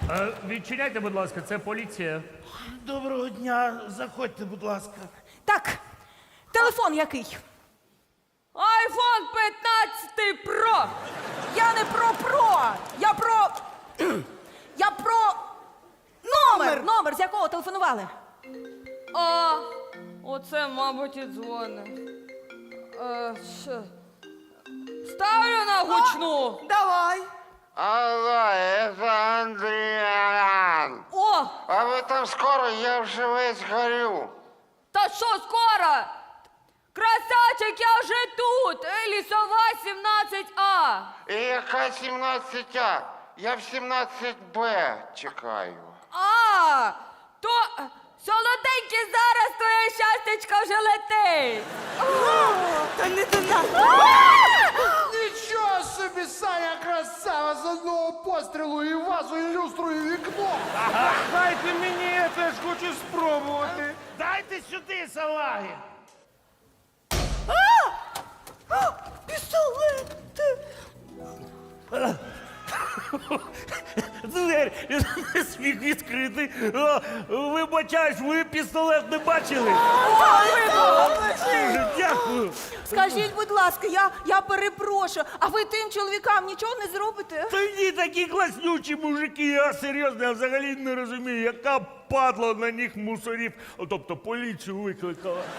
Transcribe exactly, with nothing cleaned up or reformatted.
Е, відчиняйте, будь ласка, це поліція. Доброго дня, заходьте, будь ласка. Так, телефон який? Айфон п'ятнадцять Pro. Я не про про, я про. Я про номер. Номер, з якого телефонували. А, оце, мабуть, і дзвони. Е, що? Ставлю на гучну. Давай. Алло, это Андриан. О, А вы там скоро? Я вже весь горю. та що скоро? Красавчик, я вже тут. Е, Лісова сімнадцять А. І яка сімнадцять А? Я в сімнадцять Б чекаю. А, то е, солоденький, зараз твоє щастячко вже летить. Та не до нас. Нічого собі, Саня, красава, з одного пострілу і вазу, і люстру, і вікно. Дайте мені, я теж хочу спробувати. Дайте сюди, салаги. Пістолет. Двері не сміх відкрити. О, вибачаюсь, ви пістолет не бачили? Дуже дякую. Скажіть, будь ласка, я, я перепрошую, а ви тим чоловікам нічого не зробите? Та ні, такі класнючі мужики, я серйозно, я взагалі не розумію, яка падла на них мусорів, тобто поліцію викликала.